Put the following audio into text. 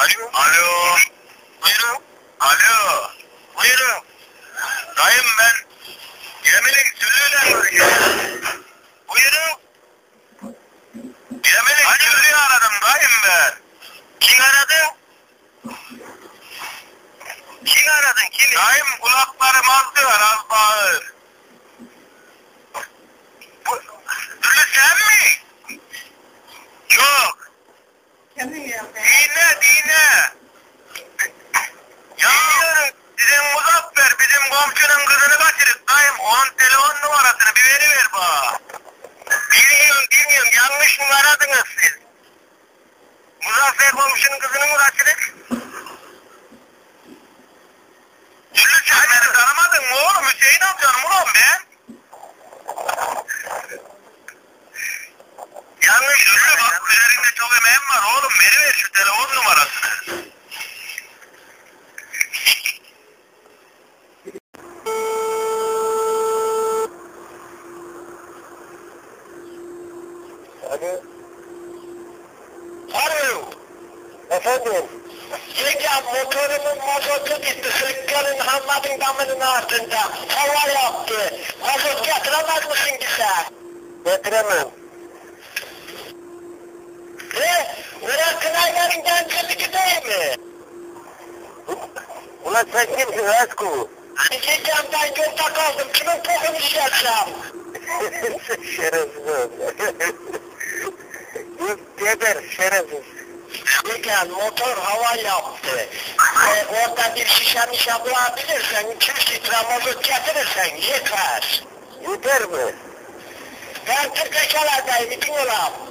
Alo. Alo. Buyurun. Alo. Buyurun. Dayım ben Cemil'in Süllü'yle görüşüyorum. Buyurun. Cemil'in Süllü'yü aradım dayım ben. Kim aradı? Kim aradın? Kim? Dayım kulaklarım az bağır. Süllü sen mi? Yok. Dine. Ya sizin Muzaffer bizim komşunun kızını kaçırıp dayım onun telefon numarasını bir veriver bana. Bilmiyorum yanlış mı aradınız siz? Muzaffer komşunun kızını mı kaçırıp? Süllü sen beni tanımadın mı oğlum? Hüseyin amcanım ulan ben. Yanlış Süllü bak üzerinde çok emeğim var oğlum veriver şu telefon numarasını. Alo. Alo. Efendim. Hocam motorumun mazotu bitti. Sıkkının Hammad'ın damının altında. Hava yaptı. Mazot getiremez misin ki sen? Getiremem. Buraya Kınaylar'ın gençlik değil mi? Ulan sen kimsin Esku? Diyeceğim ben yolda kaldım. Kimin kokunu içersem? Şerefsiz. Geber şerefsiz. Diyeceğim motor hava yaptı. Orada bir şişe bulabilirsen 200 litre mazot getirirsen yeter. Yeter mi? Ben 40 yaşlardayım, bütün olam.